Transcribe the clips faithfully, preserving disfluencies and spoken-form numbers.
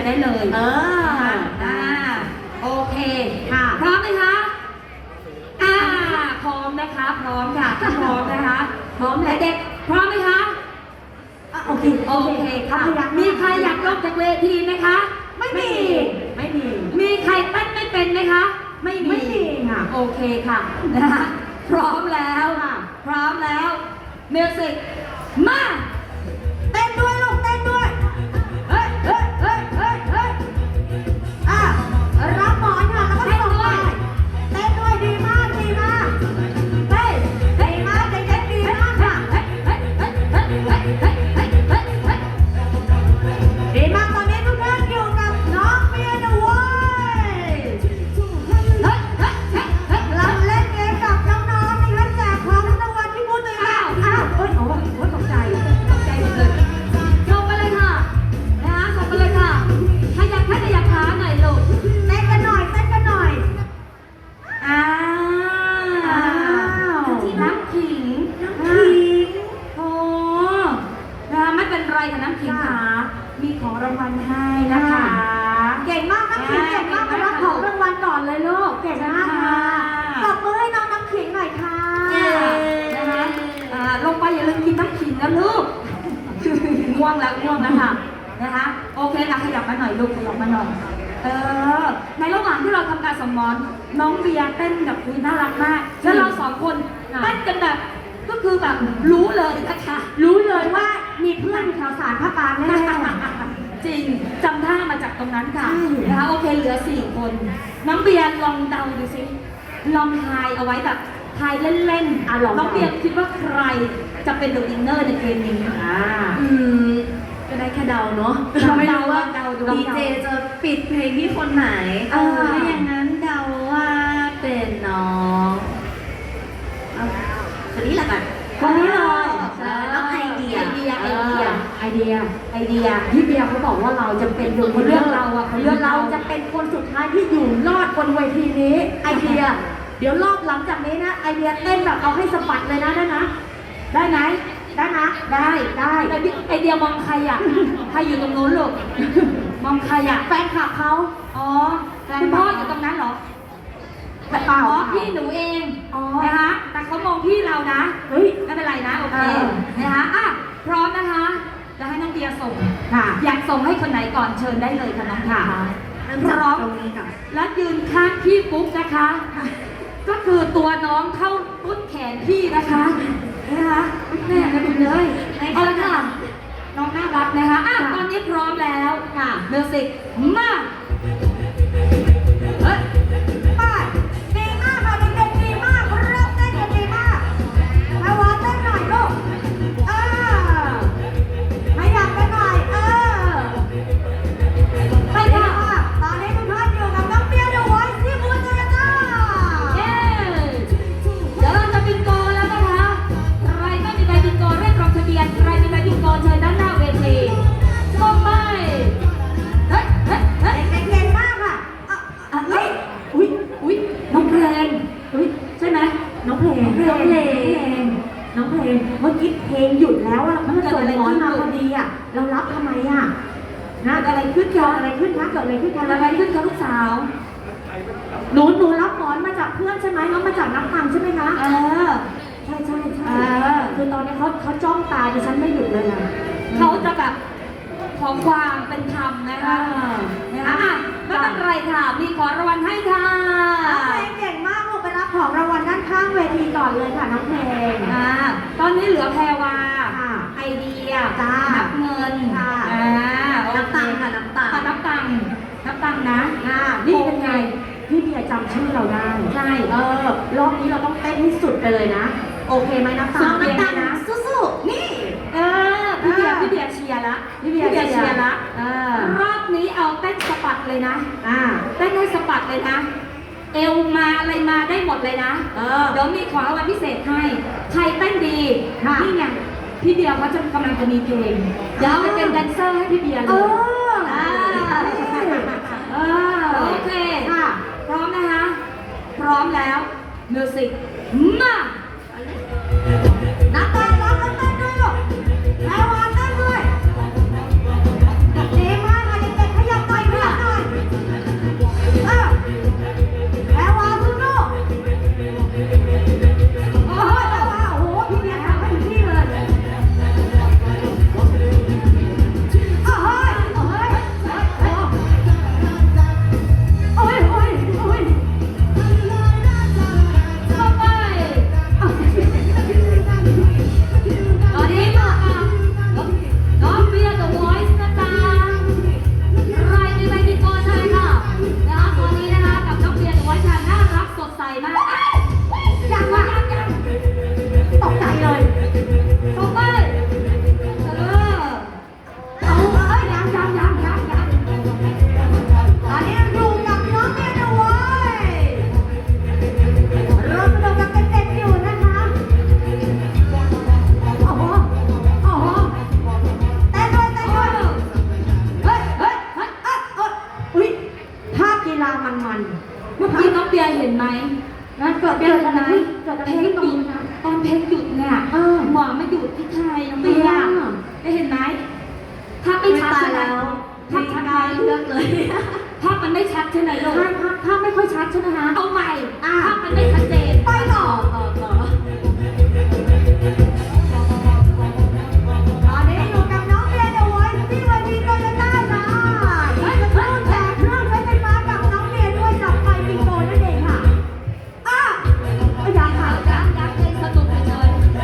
ร์ได้เลยเอออ่าโอเคค่ะพร้อมไหมคะอ่าพร้อมนะคะพร้อมค่ะถ้าพร้อมนะคะพร้อมแล้วเด็กพร้อมไหมคะโอเคโอเคค่ะมีใครอยากลงจากเวทีไหมคะไม่มีไม่มีมีใครเต้นไม่เป็นไหมคะไม่มีไม่มีค่ะโอเคค่ะนะคะพร้อมแล้วค่ะพร้อมแล้วมิวสิกมาเต้นด้วยลูกเต้นด้วยเฮ้ยเฮ้ยเฮ้ยเฮ้ยเฮ้ยอ่ะรับหมอนค่ะแล้วก็ส่งไปเต้นด้วยดีมากดีมากเฮ้ยดีมากเด็กๆดีมากค่ะดีมากตอนนี้ทุกท่านอยู่กับน้องเมียเดอะวอยเราเล่นเกมกับน้องๆนะคะแจกของรางวัลที่พูดเลยค่ะอ้าวเอ้ยโอ้โหตกใจตกใจหมดเลยส่งไปเลยค่ะนะคะส่งไปเลยค่ะขยับแค่ขยับขาหน่อยลูกเต้นกันหน่อยเต้นกันหน่อยอ้าวที่น้ำขิงน้ำขิงโอ้นะคะไม่เป็นไรค่ะน้ำขิงขามีของรางวัลให้นะคะเก่งมากน้ำขิงเก่งมากมารับของรางวัลก่อนเลยลูกเก่งมากค่ะตบมือให้น้องน้ำขิงหน่อยค่ะนะคะลงไปอย่าลืมกินน้ำขิงนะลูกง่วงแล้วง่วงแล้วค่ะนะคะโอเคค่ะขยับมาหน่อยลูกขยับมาหน่อยเออในระหว่างที่เราทำการสมอนน้องเบียร์เต้นกับคุยน่ารักมากแล้วเราสองคนเต้นกันแบบก็คือแบบรู้เลยนะคะรู้เลยว่ามีเพื่อนแถวสารพระปรางแน่จริงจำท่ามาจากตรงนั้นค่ะนะคะโอเคเหลือสี่คนน้องเบียร์ลองเดาดูสิลองทายเอาไว้แบบทายเล่นๆอ่ะน้องเบียร์คิดว่าใครจะเป็นเดอะวินเนอร์ในเกมนี้อ่าอืมก็ได้แค่เดาเนาะเราไม่เดารู้ว่าดีเจจะปิดเพลงที่คนไหนถ้าอย่างนั้นเดาว่าเป็นน้องคนนี้แหละกันคนนี้เลยน้องไอเดียไอเดียไอเดียไอเดียไอเดียพี่เบียร์เขาบอกว่าเราจะเป็นคนเลือกเราอะเขาเลือกเราเราจะเป็นคนสุดท้ายที่อยู่รอดบนเวทีนี้ไอเดียเดี๋ยวรอบหลังจากนี้นะไอเดียเต้นแบบเอาให้สะบัดเลยนะได้นะได้ไหมได้นะได้ได้ไอเดียมองใครอ่ะใครอยู่ตรงนู้นลูกมองใครอ่ะแฟนคลับเขาอ๋อคุณพ่ออยู่ตรงนั้นเหรอเปล่าอ๋อพี่หนูเองนะคะแต่เขามองพี่เรานะเฮ้ยไม่เป็นไรนะโอเคนะคะอ่ะพร้อมนะคะจะให้น้องเบียร์ส่งค่ะอยากส่งให้คนไหนก่อนเชิญได้เลยค่ะน้องค่ะพร้อมตรงนี้ค่ะและยืนข้างพี่ปุ๊บนะคะก็คือตัวน้องเข้าต้นแขนพี่นะคะนะคะแม่นะคุณเลยเอาละค่ะน้องน่ารักนะคะอ่ะตอนนี้พร้อมแล้วค่ะมิวสิกมาเฮ้ยไปดีมากค่ะเด็กๆดีมากเริ่มเต้นกันดีมากมาวางเต้นหน่อยลูกเออให้ดังกันหน่อยเออไปค่ะตอนนี้ทุกท่านอยู่กับน้องเบียร์เดอะวอยซ์ที่บูธเลยจ้าเย้เดี๋ยวเราจะบินโกแล้วนะคะใครไม่มีใบบินโกเรียกลงทะเบียนใครมีใบบินโกเชิญด้านหน้าเวทีส่งไปเฮ้ยเฮ้ยเฮ้ยเด็กๆเก่งมากค่ะอ่ะเฮ้ยอุ้ยอุ้ยน้องเพลงอุ้ยใช่ไหมน้องเพลงน้องเพลงน้องเพลงเมื่อกี้เพลงหยุดแล้วอะมันส่งหมอนมาพอดีอะเรารับทำไมอะนะอะไรขึ้นเกิดอะไรขึ้นคะเกิดอะไรขึ้นคะอะไรขึ้นคะลูกสาวหนูหนูรับหมอนมาจากเพื่อนใช่ไหมน้องมาจากน้ำตังใช่ไหมคะเออใช่ใช่ใช่คือตอนนี้เขาเขาจ้องตาดิฉันไม่หยุดเลยนะเขาจะแบบขอความเป็นธรรมนะคะนะคะไม่เป็นไรค่ะมีของรางวัลให้ค่ะน้องเพลงเก่งมากลูกไปรับของรางวัลด้านข้างเวทีก่อนเลยค่ะน้องเพลงอ่าตอนนี้เหลือแพรวาไอเดียจ้านับเงินค่ะอ่าน้ำตังค่ะน้ำตังน้ำตังน้ำตังนะอ่านี่เป็นไงพี่เบียร์จำชื่อเราได้ใช่เออรอบนี้เราต้องเต้นให้สุดไปเลยนะโอเคไหมน้ำตังน้ำตังนะสู้ๆนี่เออพี่เบียร์พี่เบียร์เชียร์ละพี่เบียร์เชียร์ละรอบนี้เอาเต้นสะบัดเลยนะอ่าเต้นให้สะบัดเลยนะเอวมาอะไรมาได้หมดเลยนะเออเดี๋ยวมีของรางวัลพิเศษให้ใครเต้นดีนี่ไงพี่เบียร์เขาจะกำลังจะมีเพลงเดี๋ยวไปเป็นแดนเซอร์ให้พี่เบียร์เลยโอเคค่ะพร้อมนะคะพร้อมแล้วมิวสิกมานักเต้นร้องนักเต้นด้วยลูกแพรวาเต้นด้วยดีมากค่ะเด็กๆขยับหน่อยตอนนี้อยู่กับน้องเมียนะเว้ยรวมสนุกกับเด็กๆอยู่นะคะโอ้โหโอ้โหเต้นด้วยเต้นด้วยเฮ้ยเฮ้ยเฮ้ยเอ้ยเอ้ยอุ๊ยภาพกีฬามันๆเมื่อกี้น้องเบียร์เห็นไหมนั่นเกิดเกิเกิดดอะอะไร ไรเกิดอะไรเพลงขึ้นหตรงยุดนี้นะตอนเพลงหยุดเนี่ยเออหมอไม่หยุดที่ไทยน้องเบียร์อ่าได้เห็นไหมภาพไม่ชัดใช่ไหมภาพชัดไหมเลือกเลยภาพมันไม่ชัดใช่ไหมลูกภาพภาพภาพไม่ค่อยชัดใช่ไหมคะเอาใหม่อ่าภาพมันไม่ชัดเจนไปต่อต่อต่อตอนนี้อยู่กับน้องเบียร์เดอะวอยซ์ที่เวทีโตโยต้าค่ะเฮ้ยเพิ่งแจกเครื่องใช้ไฟฟ้ากับน้องเบียร์ด้วยกับไฟปิงโตนั่นเองค่ะอ่ะอยากค่ะยักยักให้สนุกเฉยๆ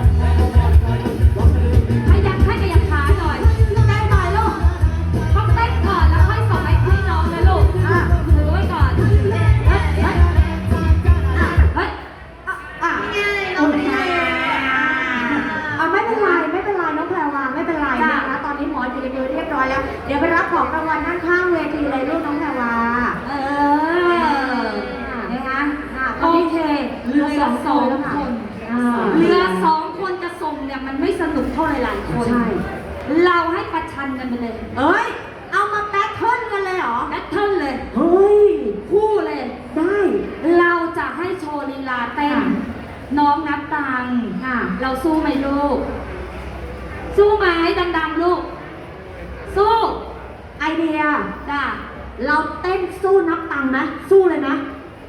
ให้ยักให้กระยับขาหน่อยได้หน่อยลูกต้องเต้นก่อนแล้วค่อยส่งให้พี่น้องนะลูกอ่ะถือไว้ก่อนเฮ้ยเฮ้ยเฮ้ยเฮ้ยอ่ะอ่ะง่ายน้องเบียร์อ่ะไม่เป็นไรไม่เป็นไรน้องแพรวาไม่เป็นไรนะคะตอนนี้หมออยู่ในมือเรียบร้อยแล้ว เดี๋ยวไปรับของรางวัลด้านข้างเวทีเลยลูกน้องแพรวาเออนะคะอ่ะตโออนนี้เคเหลือสองสองแล้วค่ะคนอ่าเหลือสองคนจะส่งเนี่ยมันไม่สนุกเท่าหลายๆคนใช่เราให้ประชันกันไปเลยเอ้ย เอามาแบทเทิลกันเลยเหรอแบทเทิลเลยเฮ้ยคู่เลยได้เราจะให้โชว์ลีลาเต้นค่ะน้องนับตังค์ค่ะเราสู้ไหมลูก สู้ไหมดังๆลูก สู้ไอเดียจ้ะเราเต้นสู้นับตังค์นะ สู้เลยนะ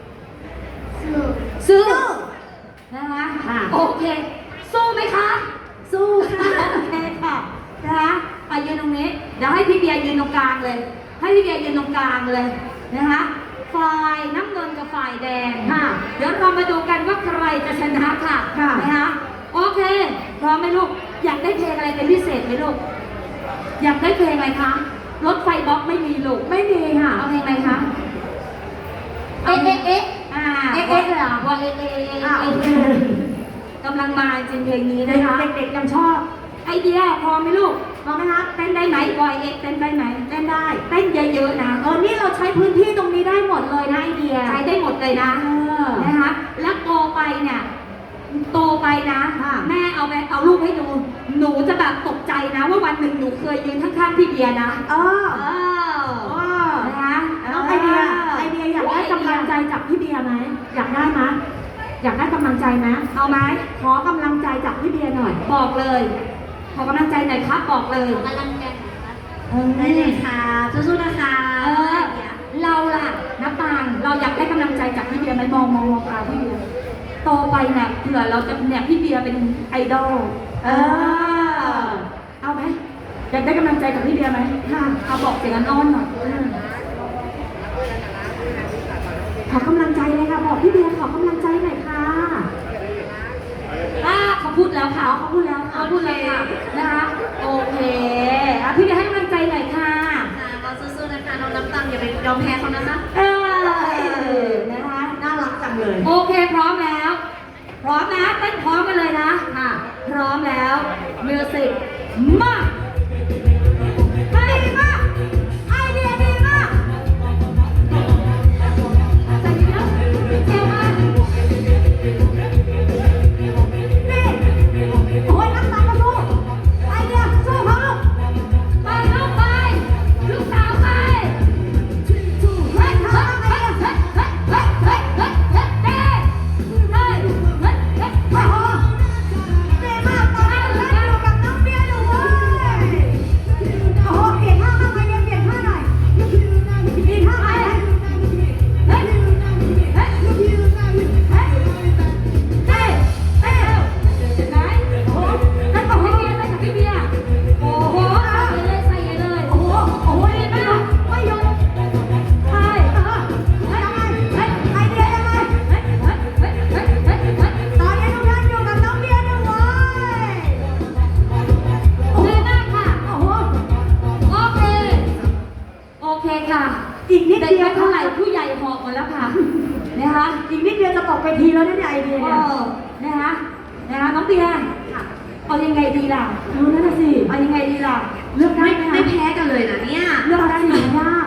สู้นะคะค่ะโอเค สู้ไหมคะสู้ค่ะโอเคค่ะนะคะไปยืนตรงนี้ เดี๋ยวให้พี่เบียร์ยืนตรงกลางเลย ให้พี่เบียร์ยืนตรงกลางเลยนะคะฝ่ายน้ำเงินกับฝ่ายแดงค่ะเดี๋ยวเรามาดูกันว่าใครจะชนะค่ะค่ะนะคะโอเคพร้อมไหมลูก อยากได้เพลงอะไรเป็นพิเศษไหมลูก อยากได้เพลงอะไรคะรถไฟบล็อกไม่มีลูกไม่มีค่ะเอาเพลงอะไรคะเอ๊ะเอ๊ะเอ๊ะอ่าเอ๊ะเอ๊ะเลยเหรอว่าเอ๊ะเอ๊ะเอ๊ะอ่ะโอเคกำลังมาจริงเพลงนี้เด็นะคะกๆยังชอบไอเดียพอไหมลูกพอไหมคะเต้นได้ไหมบอยเอ็กซ์เต้นได้ไหมเต้นได้เต้นเยอะๆนะเออ นี่เราใช้พื้นที่ตรงนี้ได้หมดเลยนะไอเดียใช้ได้หมดเลยนะเออนะคะ แล้วโตไปเนี่ยโตไปนะค่ะแม่เอาไปเอารูปให้ดู หนูจะแบบตกใจนะ ว่าวันหนึ่งหนูเคยยืนข้างๆพี่เบียร์นะเออเออเออนะคะน้องไอเดีย ไอเดียอยากได้กำลังใจจากพี่เบียร์ไหม อยากได้ไหมอยากได้กำลังใจไหมเอาไหมขอกำลังใจจากพี่เบียร์หน่อยบอกเลย ขอกำลังใจหน่อยครับบอกเลยกำลังใจนะคะเออได้เลยค่ะสู้ๆนะคะเออ เราล่ะน้ำตาลเราอยากได้กำลังใจจากพี่เบียร์ไหมมองมองมองตาพี่เบียร์โตไปเนี่ยเผื่อเราจะเนี่ยพี่เบียร์เป็นไอดอลเออเอาไหมอยากได้กำลังใจจากพี่เบียร์ไหมค่ะเอาบอกเสียงอ้อนๆหน่อยขอกำลังใจเลยค่ะ บอกพี่เบียร์ขอกำลังใจหน่อยค่ะอ่าเขาพูดแล้วค่ะเขาพูดแล้วเขาพูดแล้วค่ะนะคะโอเคอ่ะพี่เบียร์ให้กำลังใจหน่อยค่ะค่ะก็สู้ๆนะคะน้องน้ำตังอย่าไปยอมแพ้เขานะคะเออนะคะน่ารักจังเลยโอเคพร้อมแล้ว พร้อมนะเต้นพร้อมกันเลยนะค่ะ พร้อมแล้วมิวสิกมาดีมากไอเดียดีมากใส่เยอะเจ๋งมากนี่โอ้ยน้ำตาลก็สู้ไอเดียสู้เขาลูกไปลูกไปลูกสาวไปเฮ้ยเฮ้ยเฮ้ยเฮ้ยเฮ้ยเฮ้ยเฮ้ยเฮ้ยเฮ้ยเฮ้ยเฮ้ยเฮ้ยเฮ้ยเฮ้ยโอ้โหดีมากตอนนี้เราอยู่กับน้องเบียร์อยู่เว้ยโอ้โหเปลี่ยนท่าบ้างไอเดียเปลี่ยนท่าหน่อยมีท่าไหมเฮ้ย เฮ้ย เฮ้ย เฮ้ย เฮ้ย เฮ้ยเฮ้ยเห็นไหมโอ้โหนั่นบอกให้เบียร์เลยค่ะพี่เบียร์โอ้โหใส่เลยใส่เลยโอ้โหโอ้โหดีไม่มายอก มไม่ยอมใช่เออยังไงเฮ้ยไอเดียยังไงเฮ้ย เฮ้ย เฮ้ย เฮ้ย เฮ้ย เฮ้ยตอนนี้ทุกท่านอยู่กับน้องเบียร์นะเว้ยดีมากค่ะโอ้โหโอเค โอเคค่ะอีกนิดเด็กเดียวไม่เท่าไหร่ผู้ใหญ่หอบหมดแล้วค่ะ นะคะอีกนิดเดียวจะตกไปทีแล้วเนี่ยไอเดียเอเนี่ยอนะคะ นะคะ น้องเบียร์เอายังไงดีล่ะเออนั่นน่ะสิเอายังไงดีล่ะเลือกได้ไม่ไหมไม่คะแพ้กันเลยนะเนี่ยเลือกได้ไหมยาก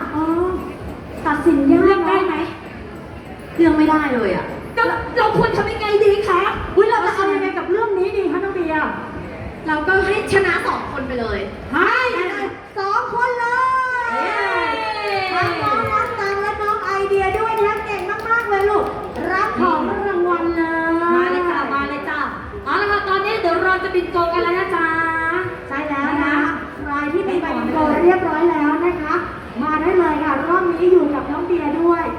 ลือกไม่ได้เลยอ่ะเราเราควรทำยังไงดีคะอุ้ยเราจะเอายังไงกับเรื่องนี้ดีคะน้องเบียร์เราก็ให้ชนะสองคนไปเลยให้สองคนเลยทั้งน้องมัสตังและน้องไอเดียด้วยนะเก่งมากๆเลยลูกรับของรางวัลเลยมาเลยจ้ามาเลยจ้าเอาละค่ะตอนนี้เดี๋ยวเราจะบินโกกันแล้วนะจ๊ะใช่แล้วนะคะใครที่มีใบบินโกเรียบร้อยแล้วนะคะ มาได้เลยค่ะรอบนี้อยู่กับน้องเบียร์ด้วย